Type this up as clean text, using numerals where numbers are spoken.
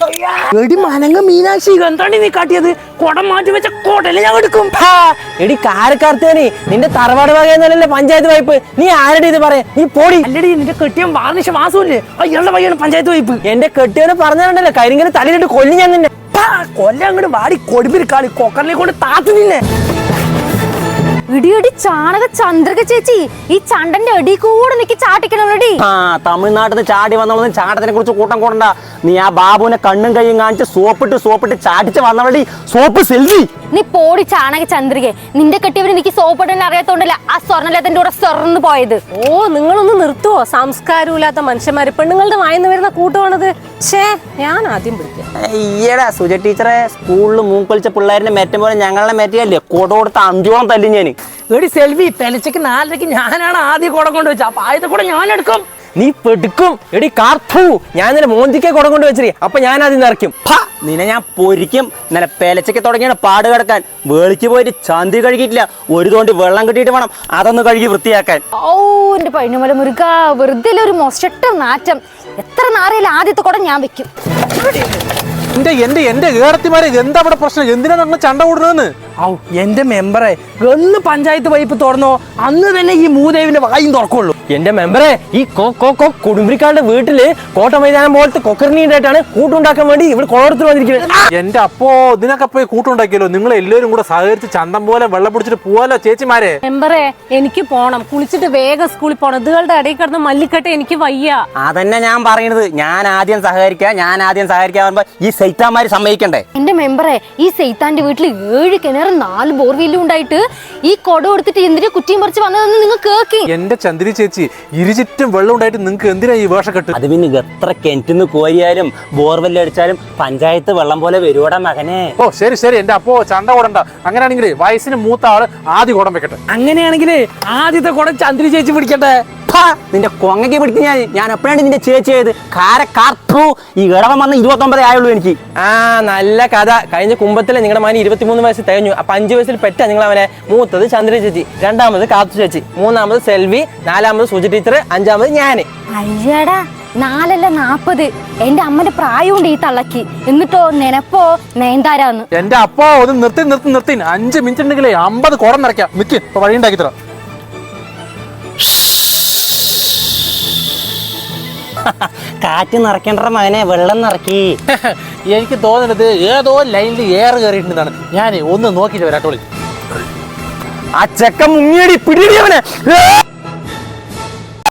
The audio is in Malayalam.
എടി മനങ്ങ മീനാക്ഷി എന്താണ് നീ കാട്ടിയത്? കുടം മാറ്റി വെച്ച കോട്ടല്ലേ ഞാൻ എടുക്കും. എടി കാരക്കാർത്തേനെ നിന്റെ തറവാട് വകയെന്നല്ലേ പഞ്ചായത്ത് വായ്പ്. നീ ആരുടെ ഇത് പറയാ? നീ പോടി. അല്ലടി നിന്റെ കെട്ടിയൻ വാർണിഷ വാസമില്ലേ അയാളുടെ വകയാണ് പഞ്ചായത്ത് വായ്പ്. എന്റെ കെട്ടിയവനെ പറഞ്ഞാണ്ടല്ലോ കരിങ്കല് തലയിലിട്ട് കൊല്ലി ഞാൻ നിന്നെ. കൊല്ലം അങ്ങോട്ട് വാടി കൊടുമ്പിൽ കളി കൊക്കറിനെ കൊണ്ട് താത്തു നിന്നെ. ഇടിയടി ചാണക ചന്ദ്രക ചേച്ചി, ഈ ചണ്ടന്റെ അടി കൂടെ നിക്ക് ചാട്ടിക്കണടി. തമിഴ്നാട്ടിൽ നിന്ന് ചാടി വന്നവളൊന്നും ചാട്ടത്തിനെ കുറിച്ച് കൂട്ടം കൂടണ്ട. നീ ആ ബാബുവിനെ കണ്ണും കൈയും കാണിച്ച് സോപ്പിട്ട് ചാടിച്ച് വന്നവളി സോപ്പ് സെൽവി. നീ പോടി ചാണക ചന്ദ്രികെ. നിന്റെ കെട്ടിയവര് എനിക്ക് സോപ്പിടാൻ അറിയാത്തോണ്ടല്ല ആ സ്വർണ്ണലത്തിന്റെ കൂടെ സ്വർണ്ണ് പോയത്. ഓ നിങ്ങളൊന്ന് നിർത്തുവോ? സംസ്കാരമില്ലാത്ത മനുഷ്യന്മാര് പെണ്ണുങ്ങളുടെ വായിന്ന് വരുന്ന കൂട്ടുവാണത്. ഞാൻ ആദ്യം പിടിക്കാം. ഈയടാ സുജ ടീച്ചറെ സ്കൂളിൽ മൂക്കൊലിച്ച പിള്ളേരിനെ മെറ്റം പോലെ ഞങ്ങളെ മെറ്റയല്ലേ കൊട കൊടുത്ത അന്ത്യോളം തല്ലി ഞാൻ. എടി സെൽവി പെലച്ചക്ക് 4:30 ഞാനാണ് ആദ്യം കുടം കൊണ്ട് വെച്ചത്. അപ്പൊ ആദ്യത്തെ കൂടെ ഞാൻ എടുക്കും. നീ പെടുക്കും. എടി കാർത്തു ഞാൻ ഇന്നലെ മോന്തിക്കെ കുടം കൊണ്ട് വെച്ചേ. അപ്പൊ ഞാൻ ആദ്യം നിറയ്ക്കും. നിന്നെ ഞാൻ പൊരിക്കും. ഇന്നലെ പെലച്ചക്ക് തുടങ്ങിയാണ് പാട് കിടക്കാൻ. വേളിക്ക് പോയിട്ട് ചന്തി കഴുകിയിട്ടില്ല. ഒരു തോണ്ടി വെള്ളം കിട്ടിയിട്ട് വേണം അതൊന്ന് കഴുകി വൃത്തിയാക്കാൻ. ഓ എന്റെ പൈനുമല മുരുക, വെറുതെ ഒരു മൊസ്റ്റ നാറ്റം. എത്ര നാറിയാലും ആദ്യത്തെ കൂടെ ഞാൻ വെക്കും. എന്റെ കേരളത്തിമാരെ എന്താ ഇവിടെ പ്രശ്നം? എന്തിനാ നമ്മൾ ചണ്ട കൂടുന്നതെന്ന്? ഔ എന്റെ മെമ്പറെ എന്ന് പഞ്ചായത്ത് വൈപ്പ് തുറന്നോ അന്ന് തന്നെ ഈ മൂദേവിന്റെ വായും തുറക്കുള്ളൂ. എന്റെ മെമ്പറെ ഈ കുടുംബിക്കാരുടെ വീട്ടില് കോട്ട മൈതാനം പോലത്തെ കൊക്കറിനീണ്ടായിട്ടാണ് കൂട്ടുണ്ടാക്കാൻ വേണ്ടി ഇവിടെ കോളത്തിൽ വന്നിരിക്കുന്നത്. എന്റെ അപ്പോ ഇതിനൊക്കെ പോയി കൂട്ടുണ്ടാക്കിയല്ലോ. നിങ്ങൾ എല്ലാവരും കൂടെ സഹകരിച്ച് ചന്തം പോലെ വെള്ളം പിടിച്ചിട്ട് പോവാലോ ചേച്ചിമാരെ. മെമ്പറെ എനിക്ക് പോണം, കുളിച്ചിട്ട് വേഗം സ്കൂളിൽ പോണം. ഇതുകളുടെ ഇടയിൽ കിടന്ന് മല്ലിക്കട്ടെ എനിക്ക് വയ്യ. അതന്നെ ഞാൻ പറയണത്. ഞാൻ ആദ്യം സഹകരിക്കാൻ ഈ സൈത്താന്മാര് സമ്മതിക്കണ്ടേ? എന്റെ മെമ്പറെ ഈ സൈത്താന്റെ വീട്ടിൽ 7 കിണറും 4 ബോർവെല്ലും ഉണ്ടായിട്ട് ഈ കൊട കൊടുത്തിട്ട് എന്തിനാ കുറ്റിയും പറിച്ച് വന്നതെന്ന് നിങ്ങൾ കേക്കി. എന്റെ ചന്ദ്രി ചേച്ചി ഇരുചുറ്റും വെള്ളം ഉണ്ടായിട്ട് നിങ്ങൾക്ക് എന്തിനാ ഈ വേഷക്കെട്ട്? അത് പിന്നെ എത്ര കിണറ്റിന്ന് കോരിയാലും ബോർവെല്ല് അടിച്ചാലും പഞ്ചായത്ത് വെള്ളം പോലെ വരുവോടാ മകനെ. ഓ ശരി എന്റെ അപ്പോ ചണ്ട കൂടണ്ട. അങ്ങനെയാണെങ്കിൽ വയസ്സിന് മൂത്ത ആള് ആദ്യം കുടം വെക്കട്ടെ. അങ്ങനെയാണെങ്കിൽ ആദ്യത്തെ കുടം ചന്ദ്രി ചേച്ചി പിടിക്കട്ടെ. നിന്റെ കൊങ്ങയ്ക്ക് പിടിക്കുന്ന ഞാൻ എപ്പോഴാണ് നിന്റെ ചേച്ചി ആയത്? ഈ ഇടവം വന്ന് 29 ആയുള്ളൂ എനിക്ക്. നല്ല കഥ. കഴിഞ്ഞ കുംഭത്തിലെ നിങ്ങളുടെ മകന് 23 വയസ്സ് തികഞ്ഞു. അപ്പൊ 5 വയസ്സിൽ പെറ്റ നിങ്ങൾ അവനെ. മൂത്തത് ചന്ദ്ര ചേച്ചി, രണ്ടാമത് കാത്തു ചേച്ചി, മൂന്നാമത് സെൽവി, നാലാമത് സുജി ടീച്ചർ, 5ആമത് ഞാന്. അയ്യടാ 4 അല്ല 40. എന്റെ അമ്മന്റെ പ്രായമുണ്ട് ഈ തള്ളക്ക്. എന്നിട്ടോ നെനപ്പോ നയൻതാരാന്ന്. എന്റെ അപ്പോ ഒന്ന് നിർത്തി 5 മിനിറ്റ് ഉണ്ടെങ്കിലേ 50 കുടം നിറയ്ക്കാം. മിക്ക് ഇപ്പൊ വഴി ഉണ്ടാക്കി തരാം. കാറ്റ് നിറയ്ക്കണ്ട മകനെ, വെള്ളം നിറക്കി. എനിക്ക് തോന്നുന്നത് ഏതോ ലൈനിൽ എയർ കയറിയിട്ടുണ്ടെന്നാണ്. ഞാൻ ഒന്ന് നോക്കിയിട്ട് വരാട്ടോളി. ആ ചെക്കൻ മുങ്ങിയടി പിടിയവനെ.